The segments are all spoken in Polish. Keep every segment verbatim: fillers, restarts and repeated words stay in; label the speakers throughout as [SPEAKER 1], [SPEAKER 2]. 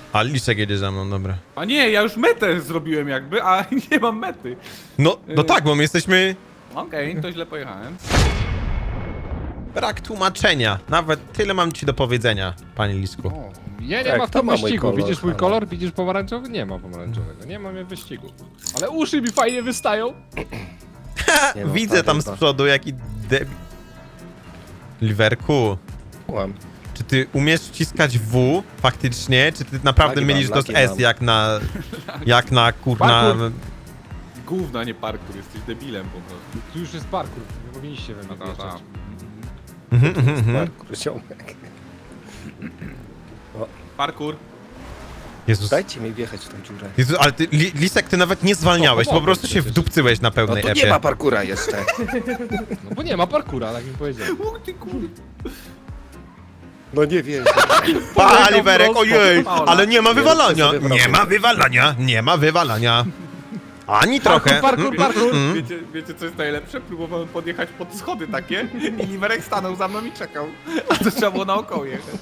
[SPEAKER 1] A Lisek jedzie za mną, dobra.
[SPEAKER 2] A nie, ja już metę zrobiłem jakby, a nie mam mety.
[SPEAKER 1] No, no tak, bo my jesteśmy...
[SPEAKER 2] Okej, okay, to źle pojechałem.
[SPEAKER 1] Brak tłumaczenia. Nawet tyle mam ci do powiedzenia, panie Lisku.
[SPEAKER 3] O, ja nie
[SPEAKER 4] Tak,
[SPEAKER 3] ma w
[SPEAKER 4] to
[SPEAKER 3] tym
[SPEAKER 4] ma mój
[SPEAKER 3] wyścigu.
[SPEAKER 4] kolor,
[SPEAKER 3] Widzisz mój
[SPEAKER 4] ale-
[SPEAKER 3] kolor? Widzisz pomarańczowy? Nie ma pomarańczowego. Nie mam wyścigu. Ale uszy mi fajnie wystają.
[SPEAKER 4] Nie ma
[SPEAKER 1] Widzę tam z
[SPEAKER 4] paliwa.
[SPEAKER 1] przodu jaki debil. Liverku,
[SPEAKER 4] Mam.
[SPEAKER 1] czy ty umiesz wciskać W faktycznie, czy ty naprawdę
[SPEAKER 4] Lagi
[SPEAKER 1] mylisz
[SPEAKER 4] mam,
[SPEAKER 1] to z
[SPEAKER 4] lagi
[SPEAKER 1] S
[SPEAKER 4] mam.
[SPEAKER 1] jak na... jak na kurna...
[SPEAKER 3] Parkour.
[SPEAKER 2] Gówna, nie parkour, jesteś debilem po prostu.
[SPEAKER 3] Tu już jest parkour. Nie powinniście we mnie
[SPEAKER 2] Ta, ta, ta.
[SPEAKER 3] wjeżdżać.
[SPEAKER 1] Mhm, mhm, mhm.
[SPEAKER 4] Parkour, ziomek.
[SPEAKER 2] Parkour.
[SPEAKER 1] Jezus.
[SPEAKER 4] Dajcie mi wjechać w tą dziurę.
[SPEAKER 1] Jezus, ale ty, Li- Lisek, ty nawet nie zwalniałeś,
[SPEAKER 3] No,
[SPEAKER 1] po prostu
[SPEAKER 3] pomogę
[SPEAKER 1] się
[SPEAKER 3] przecież.
[SPEAKER 1] wdupcyłeś na
[SPEAKER 4] No
[SPEAKER 1] pełnej
[SPEAKER 4] to nie
[SPEAKER 1] epie.
[SPEAKER 4] ma parkura jeszcze.
[SPEAKER 3] No bo nie ma parkura, tak mi powiedziałem.
[SPEAKER 2] U, ty kur...
[SPEAKER 4] No nie wiem.
[SPEAKER 1] Pa, Liverek, ojej,
[SPEAKER 2] Paula.
[SPEAKER 1] ale nie ma wywalania,
[SPEAKER 4] sobie wyobrażam.
[SPEAKER 1] nie ma wywalania, nie ma wywalania. Ani trochę.
[SPEAKER 3] parkour,
[SPEAKER 1] Mm,
[SPEAKER 3] parkour.
[SPEAKER 1] mm, mm.
[SPEAKER 2] Wiecie, wiecie co jest najlepsze? Próbowałem podjechać pod schody takie i Liverek stanął za mną i czekał. A to trzeba było naokoło jechać.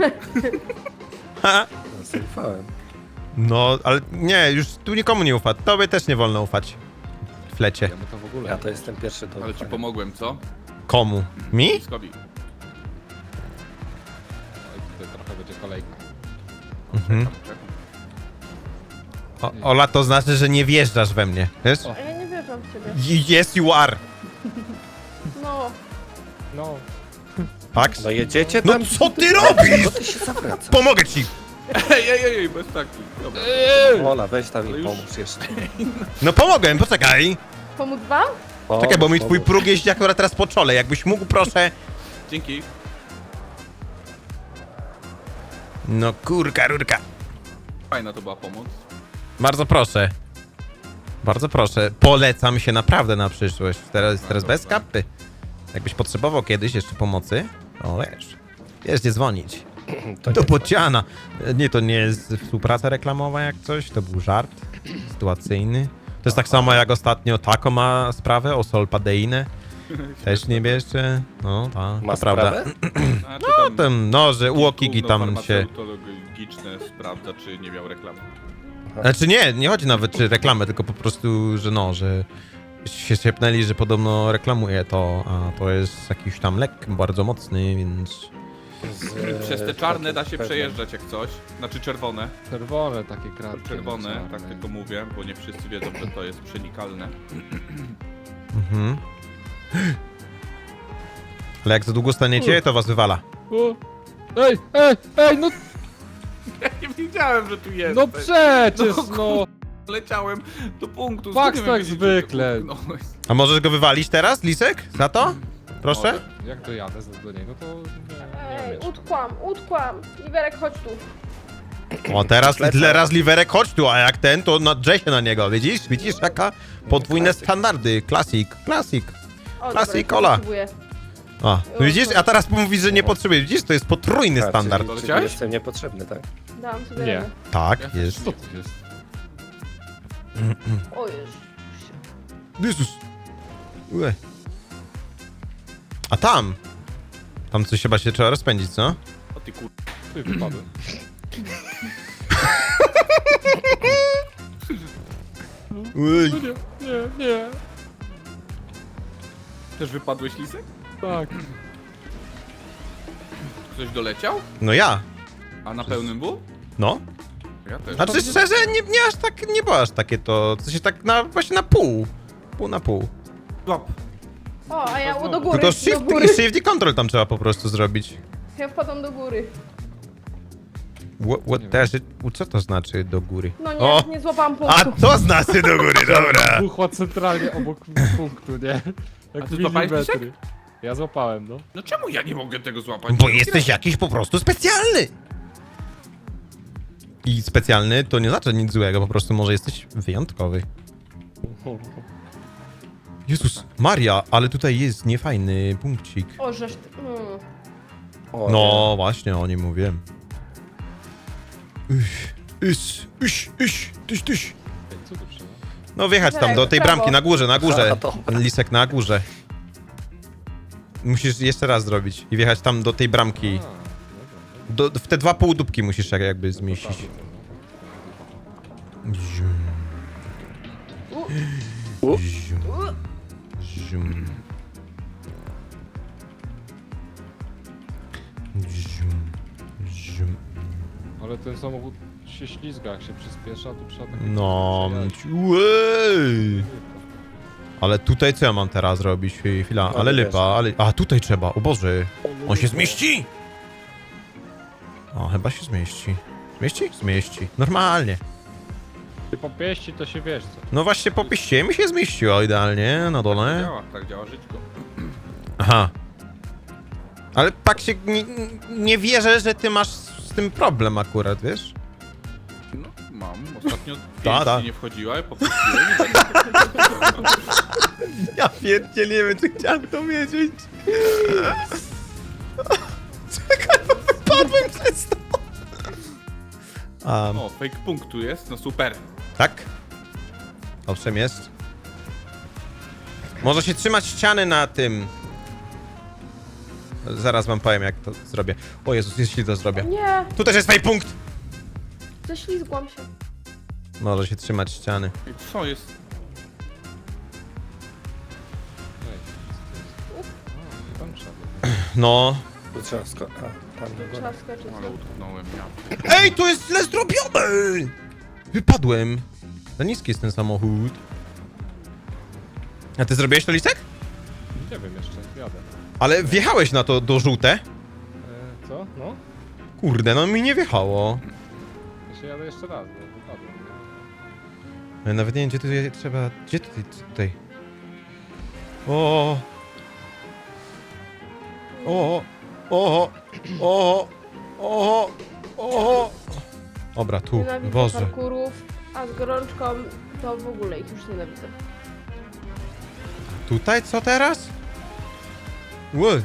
[SPEAKER 1] Ha.
[SPEAKER 4] No, zaufałem.
[SPEAKER 1] No, ale nie, już tu nikomu nie ufa. Tobie też nie wolno ufać. Flecie.
[SPEAKER 3] Ja mu to w ogóle.
[SPEAKER 4] Ja to jestem pierwszy do
[SPEAKER 2] Ale ci
[SPEAKER 4] ufania.
[SPEAKER 2] pomogłem, co?
[SPEAKER 1] Komu? Mi?
[SPEAKER 2] Skobi.
[SPEAKER 3] Oj, tutaj trochę będzie kolejka.
[SPEAKER 1] Mhm. O, Ola, to znaczy, że nie wjeżdżasz we mnie, wiesz?
[SPEAKER 3] O.
[SPEAKER 5] A ja nie wierzę w ciebie.
[SPEAKER 1] Y- Yes, you are.
[SPEAKER 5] No,
[SPEAKER 3] No.
[SPEAKER 1] Pax?
[SPEAKER 4] No jedziecie
[SPEAKER 1] No
[SPEAKER 4] tam?
[SPEAKER 1] co ty robisz?
[SPEAKER 4] Co ty się zawracasz?
[SPEAKER 1] Pomogę ci.
[SPEAKER 2] Ej, ej, ej, ej, bez taki. Dobra.
[SPEAKER 4] Ola, weź tam
[SPEAKER 2] Ale
[SPEAKER 4] mi
[SPEAKER 2] już-
[SPEAKER 4] pomóż jeszcze.
[SPEAKER 1] No pomogłem, poczekaj.
[SPEAKER 5] pomóc wam?
[SPEAKER 1] Czekaj, bo mi
[SPEAKER 4] Pomóż,
[SPEAKER 1] twój
[SPEAKER 4] pomóż.
[SPEAKER 1] próg jeździ akurat teraz po czole. Jakbyś mógł, proszę.
[SPEAKER 2] Dzięki.
[SPEAKER 1] No kurka, rurka.
[SPEAKER 2] Fajna to była pomoc.
[SPEAKER 1] Bardzo proszę. Bardzo proszę. Polecam się naprawdę na przyszłość. Teraz, teraz bez
[SPEAKER 2] dobra.
[SPEAKER 1] kapy. Jakbyś potrzebował kiedyś jeszcze pomocy, to wiesz. Wiesz, gdzie dzwonić.
[SPEAKER 4] To
[SPEAKER 1] Do
[SPEAKER 4] nie.
[SPEAKER 1] Bociana. Nie, to nie jest współpraca reklamowa jak coś, to był żart sytuacyjny. To jest tak samo jak ostatnio Taco ma sprawę o solpadeinę. Też nie bierzcie. No, ta,
[SPEAKER 4] Ma
[SPEAKER 1] to prawda.
[SPEAKER 4] sprawę?
[SPEAKER 2] Znaczy,
[SPEAKER 1] No,
[SPEAKER 2] tam
[SPEAKER 1] ten, no, że Łokigi
[SPEAKER 2] gówno
[SPEAKER 1] tam się...
[SPEAKER 2] farmaceutologiczne sprawdza, czy nie miał reklamy.
[SPEAKER 1] Znaczy nie, nie chodzi nawet czy reklamę, tylko po prostu, że no, że się szepnęli, że podobno reklamuje to, a to jest jakiś tam lek bardzo mocny, więc...
[SPEAKER 4] Z,
[SPEAKER 2] Przez te
[SPEAKER 4] e,
[SPEAKER 2] czarne da się
[SPEAKER 4] pewne.
[SPEAKER 2] przejeżdżać jak coś. Znaczy czerwone.
[SPEAKER 3] Czerwone takie kratki.
[SPEAKER 2] Czerwone,
[SPEAKER 3] no,
[SPEAKER 2] tak
[SPEAKER 3] czarne.
[SPEAKER 2] tylko mówię, bo nie wszyscy wiedzą, że to jest przenikalne.
[SPEAKER 1] Mhm. Ale jak za długo staniecie, to was wywala.
[SPEAKER 3] O! Ej, ej, ej, no,
[SPEAKER 2] Ja nie wiedziałem, że tu jest.
[SPEAKER 3] no przecież, no.
[SPEAKER 2] Leciałem do punktu.
[SPEAKER 3] Faks
[SPEAKER 2] skąd ja
[SPEAKER 3] tak
[SPEAKER 2] wiedzieć, że
[SPEAKER 3] zwykle.
[SPEAKER 2] to puknąłeś?
[SPEAKER 1] A możesz go wywalić teraz, Lisek? Za to? Proszę?
[SPEAKER 2] Może.
[SPEAKER 3] Jak dojadę z- do niego, to nie, nie
[SPEAKER 5] Ej,
[SPEAKER 3] umiesz.
[SPEAKER 5] utkłam, utkłam. Liverek, chodź tu.
[SPEAKER 1] O, teraz,
[SPEAKER 4] Lecę.
[SPEAKER 1] teraz Liverek, chodź tu, a jak ten, to nadrze się na niego, widzisz? Widzisz, jaka podwójne
[SPEAKER 4] Klasyk.
[SPEAKER 1] standardy. Klasik, klasik.
[SPEAKER 5] O,
[SPEAKER 1] Klasy
[SPEAKER 5] dobra,
[SPEAKER 1] i cola.
[SPEAKER 5] potrzebuję.
[SPEAKER 1] O, widzisz? A teraz mówisz, że nie potrzebujesz. Widzisz, to jest potrójny
[SPEAKER 4] A,
[SPEAKER 1] standard.
[SPEAKER 4] Czyli, czyli
[SPEAKER 2] Leciałeś?
[SPEAKER 4] jestem niepotrzebny, tak?
[SPEAKER 5] Dałam sobie
[SPEAKER 3] Nie.
[SPEAKER 5] radę.
[SPEAKER 1] Tak, jest.
[SPEAKER 3] Co to jest?
[SPEAKER 5] O Jezu.
[SPEAKER 1] Jezus. Ue. A tam? Tam coś chyba się trzeba rozpędzić, co?
[SPEAKER 2] O ty kur...
[SPEAKER 3] Ty wypadłem.
[SPEAKER 1] Uj.
[SPEAKER 3] No nie, nie, nie.
[SPEAKER 2] Też wypadłeś, Lisek?
[SPEAKER 3] Tak.
[SPEAKER 2] Ktoś doleciał?
[SPEAKER 1] No ja.
[SPEAKER 2] A na pełnym był?
[SPEAKER 1] No.
[SPEAKER 2] Ja też.
[SPEAKER 1] Znaczy szczerze, nie, nie aż tak, nie było aż takie to, co się tak na, właśnie na pół. Pół na pół.
[SPEAKER 2] Łap.
[SPEAKER 5] O, a ja do góry,
[SPEAKER 1] Tylko
[SPEAKER 5] do
[SPEAKER 1] shift
[SPEAKER 5] góry.
[SPEAKER 1] i shift i control tam trzeba po prostu zrobić.
[SPEAKER 5] Ja wpadam do góry.
[SPEAKER 1] What, what does it, co to znaczy do góry?
[SPEAKER 5] No nie,
[SPEAKER 1] O!
[SPEAKER 5] nie złapałam
[SPEAKER 1] A
[SPEAKER 5] punktu.
[SPEAKER 1] to znaczy do góry, dobra.
[SPEAKER 3] Buchła centralnie obok punktu, nie?
[SPEAKER 2] A
[SPEAKER 3] Jak
[SPEAKER 2] ty złapałeś,
[SPEAKER 3] milimetry. Ja złapałem, no.
[SPEAKER 2] No czemu ja nie mogę tego złapać?
[SPEAKER 1] Bo jesteś jakiś po prostu specjalny. I specjalny to nie znaczy nic złego, po prostu może jesteś wyjątkowy. Jezus, Maria, ale tutaj jest niefajny punkcik.
[SPEAKER 5] O, żeż ty... Mm.
[SPEAKER 4] O,
[SPEAKER 1] No właśnie, o nim mówiłem. Iś, iś, iś, iś, tyś, tyś.
[SPEAKER 3] Ej, co tu trzeba?
[SPEAKER 1] No wjechać tam do tej
[SPEAKER 5] Prawo.
[SPEAKER 1] bramki, na górze, na górze.
[SPEAKER 4] A, dobra.
[SPEAKER 1] Ten lisek na górze. Musisz jeszcze raz zrobić i wjechać tam do tej bramki.
[SPEAKER 3] A, dobra, dobra.
[SPEAKER 1] Do, w te dwa półdubki musisz jak- jakby zmieścić.
[SPEAKER 3] Dobra.
[SPEAKER 1] Zium,
[SPEAKER 5] U,
[SPEAKER 1] zium,
[SPEAKER 5] u.
[SPEAKER 1] zium. Zium, zium.
[SPEAKER 3] Ale ten samochód się ślizga, jak się przyspiesza, to trzeba tak...
[SPEAKER 1] No,
[SPEAKER 3] przejechać.
[SPEAKER 1] uej. Ale tutaj co ja mam teraz robić? Chwila,
[SPEAKER 4] No,
[SPEAKER 1] ale
[SPEAKER 4] wiesz.
[SPEAKER 1] lipa, ale... A, tutaj trzeba, o Boże. On się zmieści? O, chyba się zmieści. Zmieści? Zmieści. Normalnie.
[SPEAKER 3] Ty popieści, to się wiesz co.
[SPEAKER 1] No właśnie po piście mi się zmieściło idealnie na
[SPEAKER 2] Tak
[SPEAKER 1] dole.
[SPEAKER 2] działa, tak działa żyćko.
[SPEAKER 1] Aha. Ale tak się nie, nie wierzę, że ty masz z tym problem akurat, wiesz?
[SPEAKER 2] No, mam. Ostatnio
[SPEAKER 1] Ta, ta.
[SPEAKER 2] pięć nie wchodziła, popuściłem i tak...
[SPEAKER 1] Ja pierdzielę, nie wiem, czy chciałem to wiedzieć. Czekaj, bo wypadłem przez to. Um,
[SPEAKER 2] O, fake punktu jest, no super.
[SPEAKER 1] tak? Owszem, jest. Może się trzymać ściany na tym. Zaraz wam powiem, jak to zrobię. O Jezus, jeśli to zrobię.
[SPEAKER 5] Nie,
[SPEAKER 1] Tu też jest fajny punkt.
[SPEAKER 5] ześlizgłam się.
[SPEAKER 1] Może się trzymać ściany.
[SPEAKER 2] I co jest?
[SPEAKER 3] Ej, co to jest? A, tam trzeba.
[SPEAKER 1] No.
[SPEAKER 4] Tu trzeba sko- a, tam do góry.
[SPEAKER 5] Trzeba skoczyć.
[SPEAKER 2] Ale utknąłem ja.
[SPEAKER 1] Ej, to jest źle zrobione! Wypadłem. Za niski jest ten samochód. A ty zrobiłeś to, Lisek?
[SPEAKER 3] Nie wiem jeszcze, jadę.
[SPEAKER 1] Ale wjechałeś na to do żółte?
[SPEAKER 3] E, co? No?
[SPEAKER 1] Kurde, no mi nie wjechało.
[SPEAKER 3] Ja się jadę jeszcze raz, bo wypadłem. nie?
[SPEAKER 1] Ja nawet nie wiem, gdzie tutaj trzeba... Gdzie tutaj? Tutaj. O. O. O. O. O. O. Dobra, tu.
[SPEAKER 5] Nienawidzę
[SPEAKER 1] Boże.
[SPEAKER 5] parkurów, a z gorączką to w ogóle ich już nienawidzę.
[SPEAKER 1] Tutaj co teraz? Ły.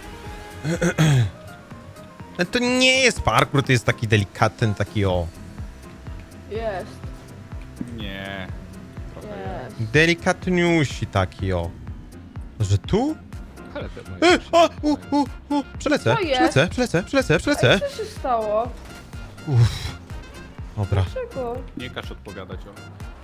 [SPEAKER 1] To nie jest parkour, to jest taki delikatny, taki o...
[SPEAKER 5] Jest,
[SPEAKER 2] Nie. Trochę jest.
[SPEAKER 5] jest.
[SPEAKER 1] Delikatniusi taki o... Że tu?
[SPEAKER 3] Ale te moje...
[SPEAKER 1] E, a, u, u, u, przelecę,
[SPEAKER 5] Co jest?
[SPEAKER 1] przelecę, przelecę, przelecę,
[SPEAKER 5] Ej,
[SPEAKER 1] przelecę.
[SPEAKER 5] co się stało?
[SPEAKER 1] Uff. Dobra.
[SPEAKER 5] Dlaczego?
[SPEAKER 2] Nie każ odpowiadać o.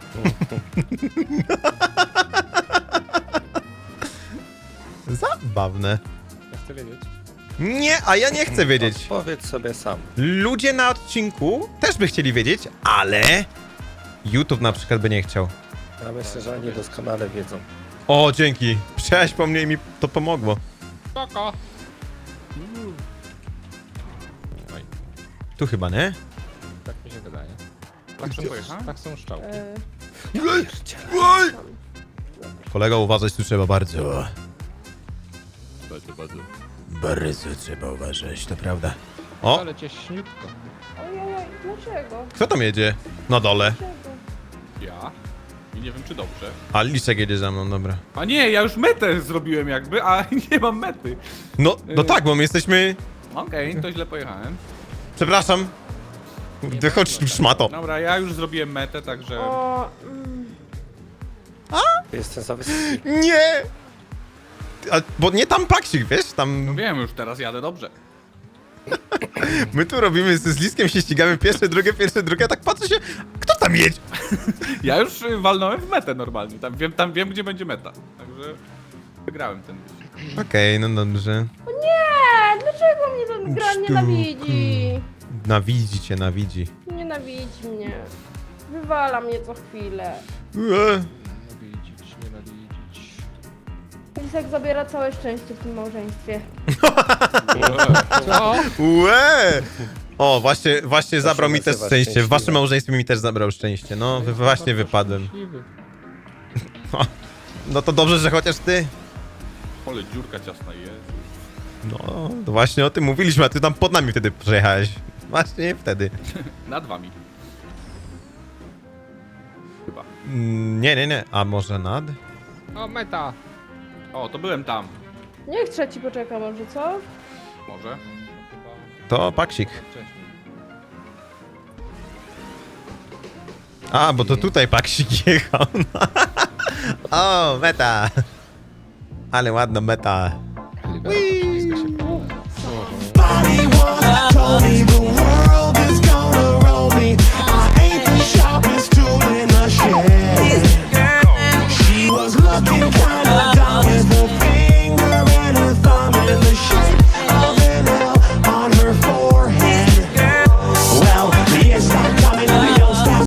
[SPEAKER 1] Zabawne.
[SPEAKER 3] Ja chcę wiedzieć.
[SPEAKER 1] Nie, a ja nie chcę wiedzieć.
[SPEAKER 4] Powiedz sobie sam.
[SPEAKER 1] Ludzie na odcinku też by chcieli wiedzieć, ale... YouTube na przykład by nie chciał.
[SPEAKER 4] Ja myślę, że oni doskonale wiedzą.
[SPEAKER 1] O, dzięki. Przyjechałeś po mnie i mi to pomogło.
[SPEAKER 3] Spoko! Oj,
[SPEAKER 1] Tu chyba, nie?
[SPEAKER 3] tak mi się wydaje.
[SPEAKER 2] Tak szybko pojechałem?
[SPEAKER 3] Tak są szczałki.
[SPEAKER 5] E,
[SPEAKER 1] Kolego, uważać tu trzeba bardzo. Bardzo trzeba uważać, to prawda. O,
[SPEAKER 3] Ale cieśniutko.
[SPEAKER 5] ojej, dlaczego?
[SPEAKER 1] kto tam jedzie? Na dole.
[SPEAKER 5] Dlaczego?
[SPEAKER 2] Ja? I nie wiem czy dobrze.
[SPEAKER 1] A Lisek jedzie za mną, dobra.
[SPEAKER 2] A nie, ja już metę zrobiłem jakby, a nie mam mety.
[SPEAKER 1] No, no tak, bo my jesteśmy...
[SPEAKER 2] Okej, to źle pojechałem.
[SPEAKER 1] Przepraszam. Wychodź tu, szmato.
[SPEAKER 2] Dobra, ja już zrobiłem metę, także...
[SPEAKER 5] O, mm,
[SPEAKER 4] Jestem za wysoki.
[SPEAKER 1] Nie! A, bo nie tam paksik, wiesz?
[SPEAKER 2] No
[SPEAKER 1] Tam...
[SPEAKER 2] wiem, już teraz jadę dobrze.
[SPEAKER 1] My tu robimy z, z Liskiem, się ścigamy pierwsze, drugie, pierwsze, drugie, a tak patrzę się... Kto tam jedzie?
[SPEAKER 2] Ja już y, walnąłem w metę normalnie, tam wiem, tam wiem gdzie będzie meta. Także wygrałem ten wyścig.
[SPEAKER 1] Okej, no dobrze.
[SPEAKER 5] nie, dlaczego mnie ten gra
[SPEAKER 1] Sztuku.
[SPEAKER 5] nienawidzi?
[SPEAKER 1] Nawidzi cię, nawidzi.
[SPEAKER 5] Nienawidzi mnie. Wywala mnie co chwilę.
[SPEAKER 1] Ue.
[SPEAKER 3] Nienawidzić, nienawidzić.
[SPEAKER 5] Lisek zabiera całe szczęście w tym małżeństwie.
[SPEAKER 3] Co?
[SPEAKER 1] Ue! O, właśnie, właśnie zabrał mi też
[SPEAKER 4] nazywa
[SPEAKER 1] szczęście. W waszym
[SPEAKER 4] szczęśliwe.
[SPEAKER 1] małżeństwie mi też zabrał szczęście. No, wy, właśnie wypadłem.
[SPEAKER 3] Szczęśliwy.
[SPEAKER 1] No to dobrze, że chociaż ty.
[SPEAKER 2] Ale dziurka ciasna jest.
[SPEAKER 1] No, to właśnie o tym mówiliśmy, a ty tam pod nami wtedy przejechałeś. Właśnie wtedy.
[SPEAKER 2] Nad wami. Chyba.
[SPEAKER 1] Mm, Nie, nie, nie. A może nad?
[SPEAKER 3] O, meta!
[SPEAKER 2] O, to byłem tam.
[SPEAKER 5] Niech trzeci poczeka może, co?
[SPEAKER 2] Może.
[SPEAKER 3] Chyba
[SPEAKER 1] To paksik.
[SPEAKER 3] wcześniej.
[SPEAKER 1] A, bo to tutaj paksik jechał. O, meta. Ale ładna meta.
[SPEAKER 3] Libera, ślizga się.
[SPEAKER 6] Body wanna, told me,